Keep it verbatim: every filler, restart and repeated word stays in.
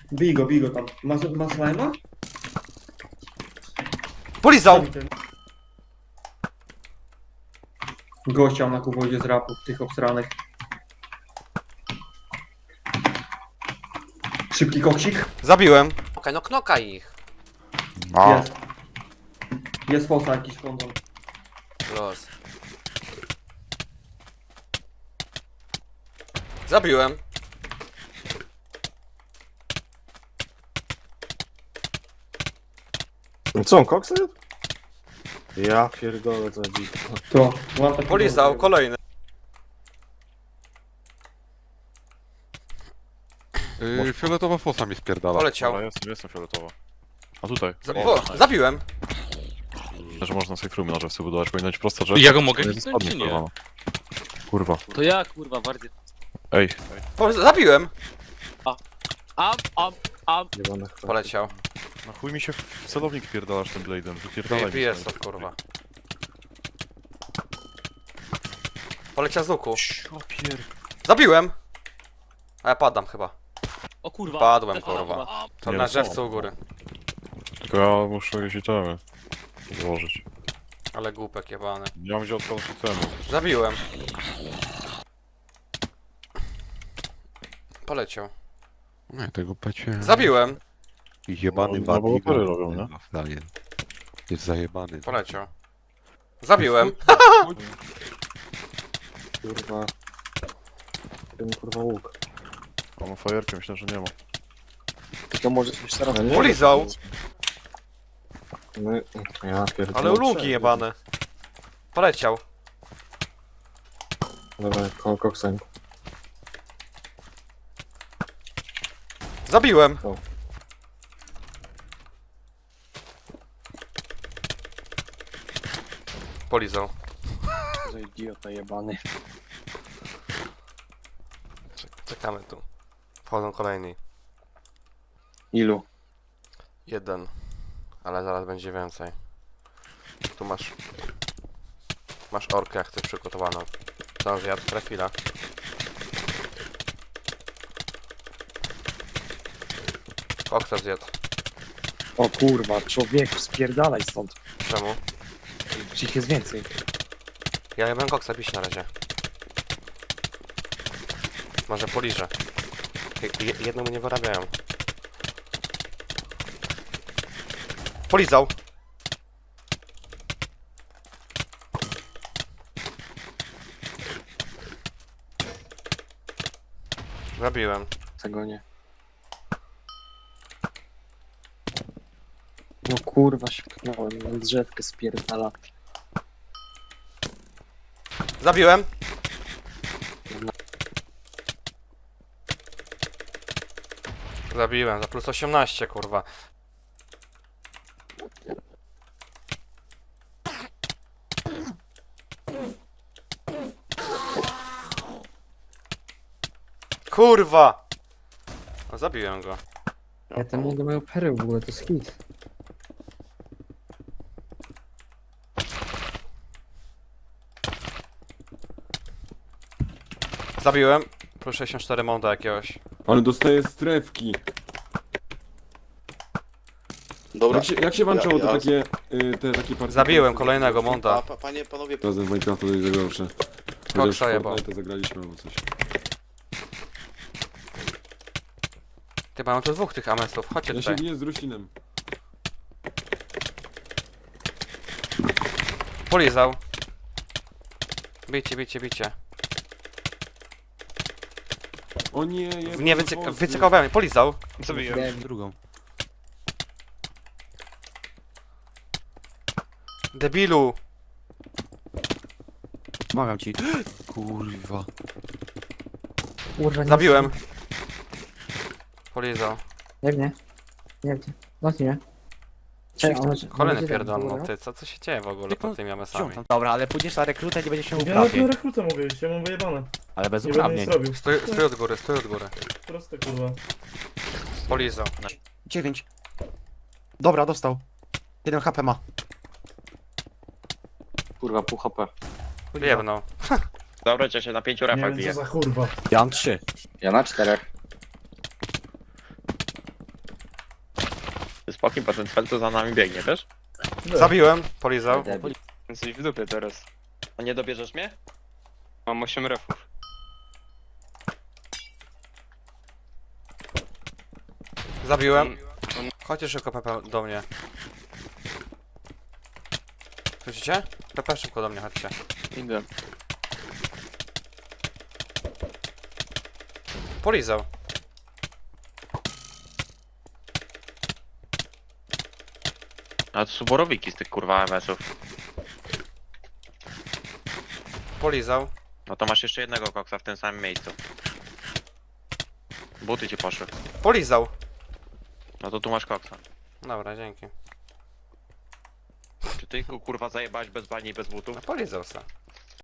Bij go, bij go tam. Masz, masz slajma? Polizał! Gościa na kuwodzie z rapów, tych obsranych. Szybki koksik? Zabiłem. Okej, no knoka ich. A, Jest. Jest fosa jakiś kondon. Los. Zabiłem. Co on koksy? Ja pierdolę co dziś. To, mam taki Polizał, kondon. kolejny. yy, fioletowa fosa mi spierdala. Poleciał. Dobra, jestem, jestem fioletowa. A tutaj. Za O, o, zabiłem. że można safe roomy na sobie budować, powinno być prosta rzecz. Ja go mogę Nie hitnąć, czy spadnie, nie? kurwa. Kurwa. To ja kurwa bardziej. Ej, Po, zabiłem. Am, am, am. Jebane chwile. Poleciał. na chuj mi się w celownik pierdalasz tym blade'em. Wypierdalaj mi Bije stąd. to kurwa. Poleciał z łuku. O pier... Zabiłem. A ja padam chyba. O kurwa. Padłem, Am, kurwa. am. To Nie, na no drzewcu u góry. Tylko ja muszę jakieś itemy złożyć. Ale głupek jebany. Nie mam gdzie odkładać itemy. Zabiłem. Poleciał. Nie, tego pecie... Zabiłem. Jebany No, no, bo Badiga. opery robią, nie? Daje. Jest zajebany. Poleciał. Zabiłem. Kurwa. Ten kurwa łuk. A mam fajerkę, myślę, że nie ma. To może coś teraz nie? Polizał. No, ja pierdolę. Ale uluki jebane. Poleciał. Dobra, koło koksa. Zabiłem. O. Polizał. Za idiota jebany. Czekamy tu. Wchodzą kolejni. Ilu? Jeden. Ale zaraz będzie więcej. Tu masz... Masz orkę jak chcesz przygotowaną. Co on zjadł? Trafila. Koksa zjadł. O kurwa, człowieku, spierdalaj stąd. Czemu? Ich jest więcej. Ja nie będę koksa pić na razie. Może poliżę. Je jedno mu nie wyrabiają. Polizał! Zabiłem. Tego nie. No kurwa się pchnąłem, na drzewkę spierdala. Zabiłem! Zabiłem, za plus osiemnaście, kurwa. Kurwa! No, zabiłem go. Ja tam mogę mają perły w ogóle, to jest hit. Zabiłem. Plus sześćdziesiąt cztery monda jakiegoś. Ale dostaję strefki. Dobra. Jak się, jak się włączało Ja- to ja- takie, y, te takie partie? Zabiłem kolejnego monda. A, pa, panie, panowie, Razem w Minecrafta to jest gorsze. Koksa Chociaż w jebał. Fortnite'a zagraliśmy albo coś. Ty mają tu dwóch tych amesów, chodźcie Ja się tutaj. biję z Rusinem. Polizał. Bicie, bicie, bicie. O nie, jebany Nie wycyk bossy. wycykowałem mnie, polizał. Zabiłem. Drugą. Debilu. Pomagam ci. Kurwa. Kurwa, nie Zabiłem. Polizał. Jak nie? Jak nie? No nie. Czekaj, on będzie- on Kolejny będzie pierdolą, tam, ty, co, co się dzieje w ogóle pod tymi amesami? Dobra, ale pójdziesz na rekrutę, nie będziesz miał Ja na uprawnień. tym rekrutę mogę iść, ja mam wyjebane. Ale bez Nie będę nic uprawnień. robił. Stój, stój od góry, stój od góry. Proste kurwa. Polizał. dziewięć. Dobra, dostał. jeden H P ma. Kurwa, pół H P. Jebnął. dobra, ja się na pięciu Nie refach wiem biję. co za kurwa. Ja mam trzy. Ja na czterech. Pokim potem cel to za nami biegnie, też? Zabiłem, polizał. Jesteś w dupie teraz. A nie dobierzesz mnie? Mam osiem refów. Zabiłem. Chodźcie szybko, Pepe, do mnie. Słyszycie? Pepe, szybko do mnie, chodźcie. Idę. Polizał. A to są borowiki z tych kurwa M S-ów. Polizał. No to masz jeszcze jednego koksa w tym samym miejscu. Buty ci poszły. Polizał. No to tu masz koksa. Dobra, dzięki. Czy ty kurwa zajebałeś bez bani i bez butów? No polizał se.